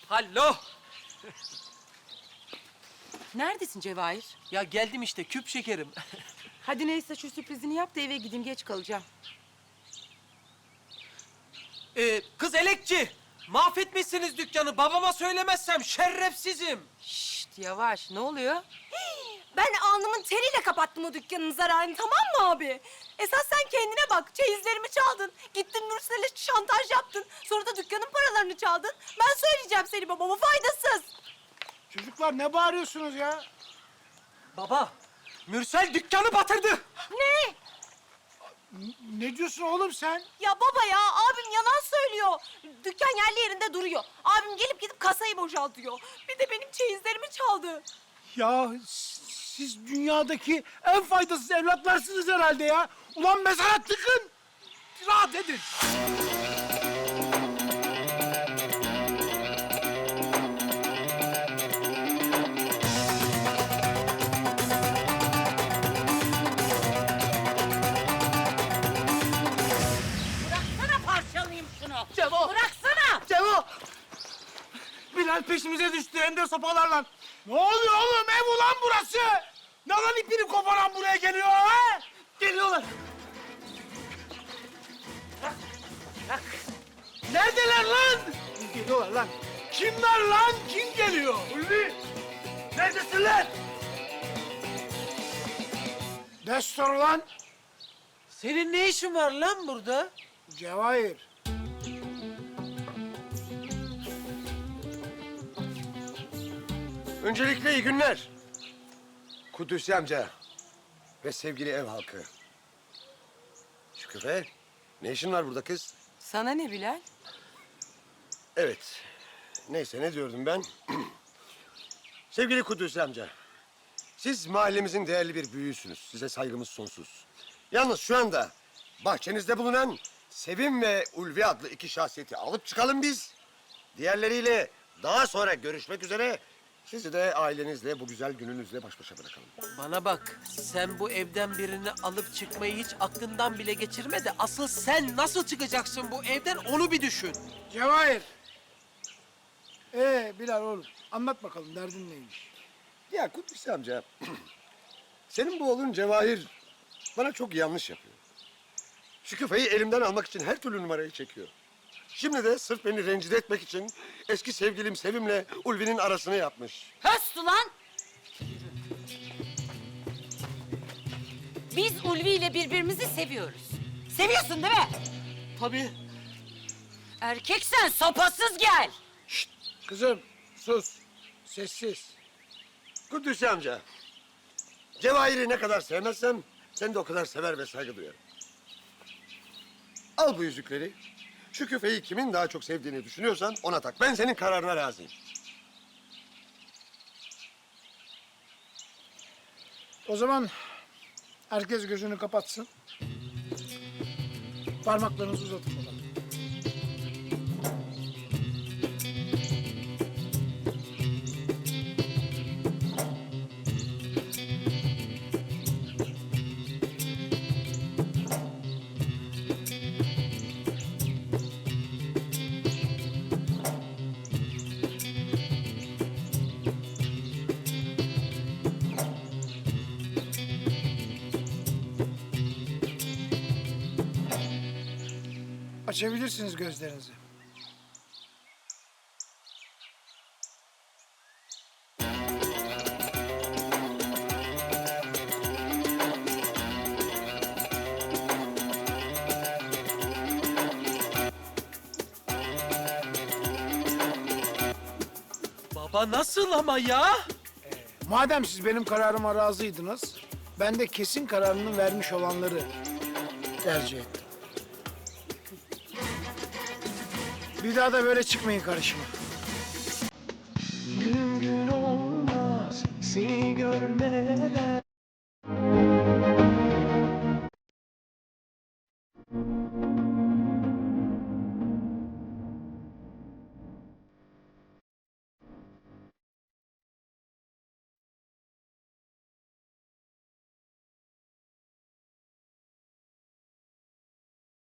Hallo. Neredesin Cevahir? Ya geldim işte küp şekerim. Hadi neyse şu sürprizini yap da eve gideyim, geç kalacağım. Kız elekçi. Mahvetmişsiniz dükkanı. Babama söylemezsem şerefsizim. Şşt yavaş, ne oluyor? Ben alnımın teriyle kapattım o dükkanın zararını, tamam mı abi? Esas sen kendine bak. Çeyizlerimi çaldın. Gittin Nursel'e şantaj yaptın. Sonra da dükkanın paralarını çaldın. Ben söyleyeceğim seni babama, faydasız. Çocuklar ne bağırıyorsunuz ya? Baba, Mürsel dükkanı batırdı. Ne? Ne diyorsun oğlum sen? Ya baba ya, abim yalan söylüyor. Dükkan yerli yerinde duruyor. Abim gelip gidip kasayı boşaltıyor. Bir de benim çeyizlerimi çaldı. Ya siz dünyadaki en faydasız evlatlarsınız herhalde ya. Ulan mezara tıkın. Rahat edin. Bıraksana, parçalayayım şunu. Cevo. Bıraksana. Cevo. Bilal peşimize düştü hem de sopalarla. Ne oluyor oğlum? Ev ulan burası. Ne lan ipini koparan buraya geliyor ha? Geliyorlar. Neredeler lan? Geliyorlar lan. Kimler lan? Kim geliyor? Ulvi. Neredesin lan? Destur lan. Senin ne işin var lan burada? Cevahir. Öncelikle iyi günler. Kudüs'ü amca ve sevgili ev halkı. Şüküfe, ne işin var burada kız? Sana ne Bilal? Evet, neyse ne diyordum ben? Sevgili Kudüs amca, siz mahallemizin değerli bir büyüğüsünüz. Size saygımız sonsuz. Yalnız şu anda bahçenizde bulunan Sevim ve Ulvi adlı iki şahsiyeti alıp çıkalım biz. Diğerleriyle daha sonra görüşmek üzere. Sizi de ailenizle bu güzel gününüzle baş başa bırakalım. Bana bak, sen bu evden birini alıp çıkmayı hiç aklından bile geçirme de asıl sen nasıl çıkacaksın bu evden onu bir düşün. Cevahir. Bilal oğlum anlat bakalım derdin neymiş? Ya Kudüs amca, senin bu oğlun Cevahir bana çok yanlış yapıyor. Şu küfeyi elimden almak için her türlü numarayı çekiyor. Şimdi de sırf beni rencide etmek için eski sevgilim Sevim'le Ulvi'nin arasını yapmış. Höst ulan. Biz Ulvi ile birbirimizi seviyoruz. Seviyorsun değil mi? Tabii. Erkeksen sopasız gel. Kızım sus. Sessiz. Kudüs amca, Cevahir'i ne kadar sevmezsem sen de o kadar sever ve saygı duyarım. Al bu yüzükleri. Şu küfeyi kimin daha çok sevdiğini düşünüyorsan ona tak. Ben senin kararına razıyım. O zaman herkes gözünü kapatsın. Parmaklarınızı uzatın bakalım. Açabilirsiniz gözlerinizi. Baba nasıl ama ya? Madem siz benim kararıma razıydınız, ben de kesin kararını vermiş olanları tercih ettim. Bir daha da böyle çıkmayın karşıma. Gün gün olmaz seni görmeden.